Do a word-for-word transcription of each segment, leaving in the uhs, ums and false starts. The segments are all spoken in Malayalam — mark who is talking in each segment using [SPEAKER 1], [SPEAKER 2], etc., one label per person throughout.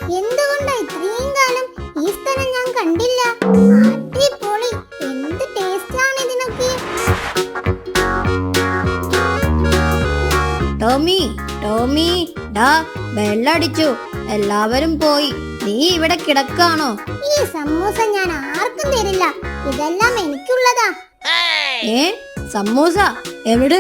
[SPEAKER 1] എന്തുകൊണ്ടാ ഇത്രയും കാലം ഈ സ്ഥലം ഞാൻ കണ്ടില്ല? അടിപൊളി, എന്ത് ടേസ്റ്റ് ആണ് ഇതിനൊക്കെ.
[SPEAKER 2] ടോമി ടോമി ഡാ വെള്ളടിച്ചു, എല്ലാവരും പോയി, നീ ഇവിടെ കിടക്കാണോ?
[SPEAKER 1] ഈ സമൂസ ഞാൻ ആർക്കും തരില്ല, ഇതെല്ലാം എനിക്കുള്ളതാ.
[SPEAKER 2] ഏ സമൂസ എവിടെ?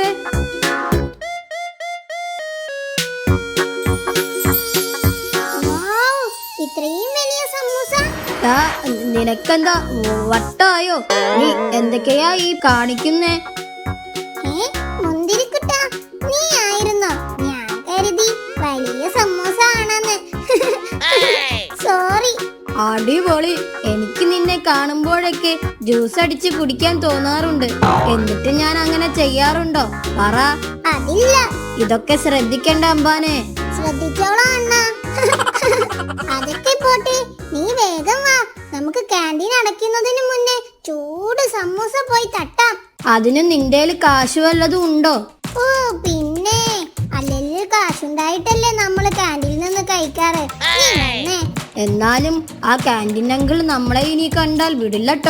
[SPEAKER 1] വൗ, ഇത്രയും വലിയ സമൂസ.
[SPEAKER 2] ഡാ നിനക്കെന്താ വട്ടായോ? നീ എന്തൊക്കെയാ ഈ കാണിക്കുന്നേ?
[SPEAKER 1] ഏ മുന്തിരിക്കുട്ടാ, നീ ആയിരുന്നോ? ഞാൻ കരുതി വലിയ സമൂസ ആണെന്ന്. സോറി.
[SPEAKER 2] അടിപൊളി, എനിക്ക് നിന്നെ കാണുമ്പോഴൊക്കെ ജ്യൂസ് അടിച്ച് കുടിക്കാൻ തോന്നാറുണ്ട്. എന്നിട്ട് ഞാൻ അങ്ങനെ ചെയ്യാറുണ്ടോ? പറ.
[SPEAKER 1] അതില്ല.
[SPEAKER 2] ഇതൊക്കെ ശ്രദ്ധിക്കണ്ട അമ്പാനെ.
[SPEAKER 1] ശ്രദ്ധിച്ചോളാം അണ്ണാ. അതൊക്കെ പോട്ടെ, നീ വേഗം വാ, നമുക്ക് ക്യാൻറ്റീൻ അടയ്ക്കുന്നതിന് മുന്നേ ചൂട് സമൂസ പോയി തട്ടാം.
[SPEAKER 2] അതിന് നിന്റെ കാശ് വല്ലതും ഉണ്ടോ?
[SPEAKER 1] ഓ പിന്നെ, അല്ലെങ്കിൽ കാശുണ്ടായിട്ടല്ലേ നമ്മള് ക്യാൻറ്റീനിൽ നിന്ന് കഴിക്കാറ്. നീ വന്നേ.
[SPEAKER 2] എന്നാലും ആ ക്യാൻറ്റീൻ അങ്കിൾ നമ്മളെ ഇനി കണ്ടാൽ വിടില്ലട്ടോ.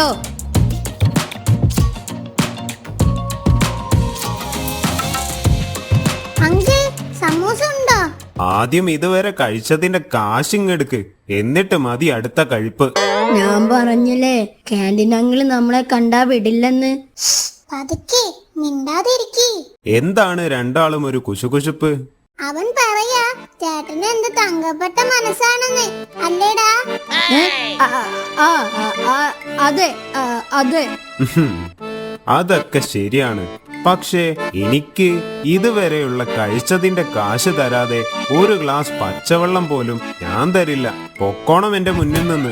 [SPEAKER 1] അങ്കിൾ, സമൂസ ഉണ്ടോ?
[SPEAKER 3] ആദ്യം ഇതുവരെ കഴിച്ചതിന്റെ കാശിങ്ങെടുക്ക്, എന്നിട്ട് മതി അടുത്ത കഴിപ്പ്.
[SPEAKER 2] ഞാൻ പറഞ്ഞില്ലേ ക്യാൻറ്റീൻ അങ്കിൾ നമ്മളെ കണ്ടാ വിടില്ലെന്ന്.
[SPEAKER 1] പതുക്കെ, മിണ്ടാതിരിക്കി.
[SPEAKER 3] എന്താണ് രണ്ടാളും ഒരു കുശുകുശുപ്പ്?
[SPEAKER 1] അവൻ പറയാ ചേട്ടന് എന്ത് തങ്കപ്പെട്ട മനസ്സാണെന്ന്, അല്ലേടാ?
[SPEAKER 2] ഏ? ആ, ആ, ആ, ആ, അതെ ആ, അതെ.
[SPEAKER 3] ഉഹും. അതൊക്കെ ശരിയാണ്, പക്ഷേ എനിക്ക് ഇതുവരെയുള്ള കഴിച്ചതിന്റെ കാശ് തരാതെ ഒരു ഗ്ലാസ് പച്ചവെള്ളം പോലും ഞാൻ തരില്ല. പൊക്കോണം എന്റെ മുന്നിൽ നിന്ന്.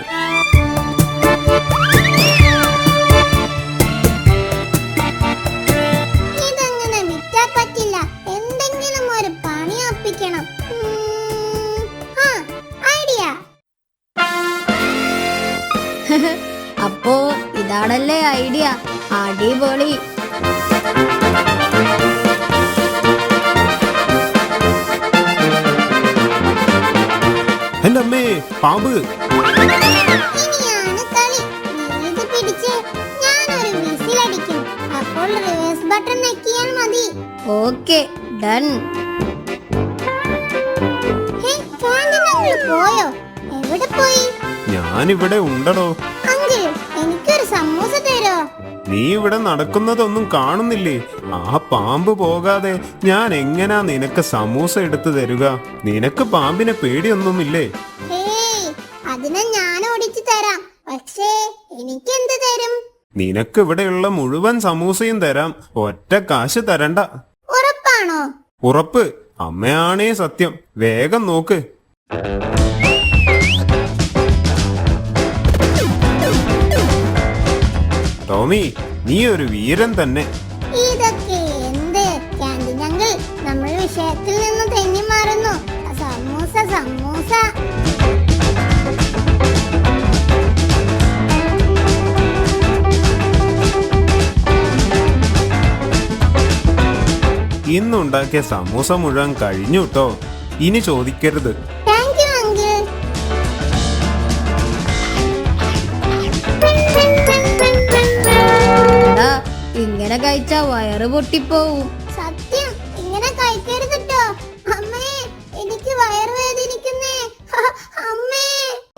[SPEAKER 1] ഇതങ്ങനെ വിറ്റാ പറ്റില്ല, എന്തെങ്കിലും ഒരു പണി ഒപ്പിക്കണം. ഉം, ആ, ഐഡിയ.
[SPEAKER 2] അപ്പോ ഇതാണല്ലേ ഐഡിയ. അടിപൊളി.
[SPEAKER 3] എന്റെ അമ്മേ, പാമ്പ്!
[SPEAKER 1] ഇനിയാണ് കളി. നീ ഇത് പിടിച്ച് ഞാനൊരു വിസിലടിക്കും, അപ്പോൾ റിവേഴ്സ് ബട്ടൺ ഞെക്കിയാൽ മതി.
[SPEAKER 2] Okay, done.
[SPEAKER 1] Hey, canteen uncle പോയോ? എവിടെ പോയി?
[SPEAKER 3] ഞാനിവിടെ ഉണ്ടടോ.
[SPEAKER 1] അങ്കിൾ, എനിക്കൊരു സമൂസ തരോ?
[SPEAKER 3] നീ ഇവിടെ നടക്കുന്നതൊന്നും കാണുന്നില്ലേ? ആ പാമ്പ് പോകാതെ ഞാൻ എങ്ങനാ നിനക്ക് സമൂസ എടുത്തു തരുക? നിനക്ക് പാമ്പിനെ പേടിയൊന്നുമില്ലേ?
[SPEAKER 1] ഹേയ്, അതിനെ ഞാൻ ഓടിച്ചു തരാം, പക്ഷേ എനിക്കെന്ത് തരും?
[SPEAKER 3] നിനക്ക് ഇവിടെയുള്ള മുഴുവൻ സമൂസയും തരാം, ഒറ്റ കാശ് തരണ്ട.
[SPEAKER 1] ഉറപ്പാണോ?
[SPEAKER 3] ഉറപ്പ്. അമ്മയാണേ സത്യം. വേഗം നോക്ക്. ടോമി, നീ ഒരു വീരൻ തന്നെ.
[SPEAKER 1] ഇതൊക്കെ എന്ത്? ക്യാൻറ്റീൻ അങ്കിൾ, നമ്മൾ വിഷയത്തിൽ നിന്ന് തെന്നി മാറുന്നു. സമൂസ സമൂസ.
[SPEAKER 3] ഇന്നുണ്ടാക്കിയ സമൂസ മുഴുവൻ കഴിഞ്ഞു ട്ടോ. ഇനി ചോദിക്കരുത്.
[SPEAKER 1] Thank you uncle.
[SPEAKER 2] എടാ, ഇങ്ങനെ കഴിച്ചാ വയറ് പൊട്ടിപ്പോവും.
[SPEAKER 1] സത്യം, ഇങ്ങനെ കഴിക്കരുത് ട്ടോ. അമ്മേ, എനിക്ക് വയറുവേദനിക്കുന്നേ. അമ്മേ.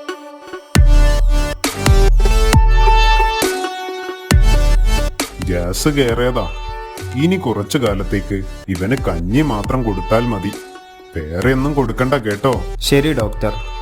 [SPEAKER 4] ഗ്യാസ് കയറിയതാ. ഇനി കുറച്ചു കാലത്തേക്ക് ഇവന് കഞ്ഞി മാത്രം കൊടുത്താൽ മതി, വേറെ ഒന്നും കൊടുക്കണ്ട കേട്ടോ.
[SPEAKER 3] ശരി ഡോക്ടർ.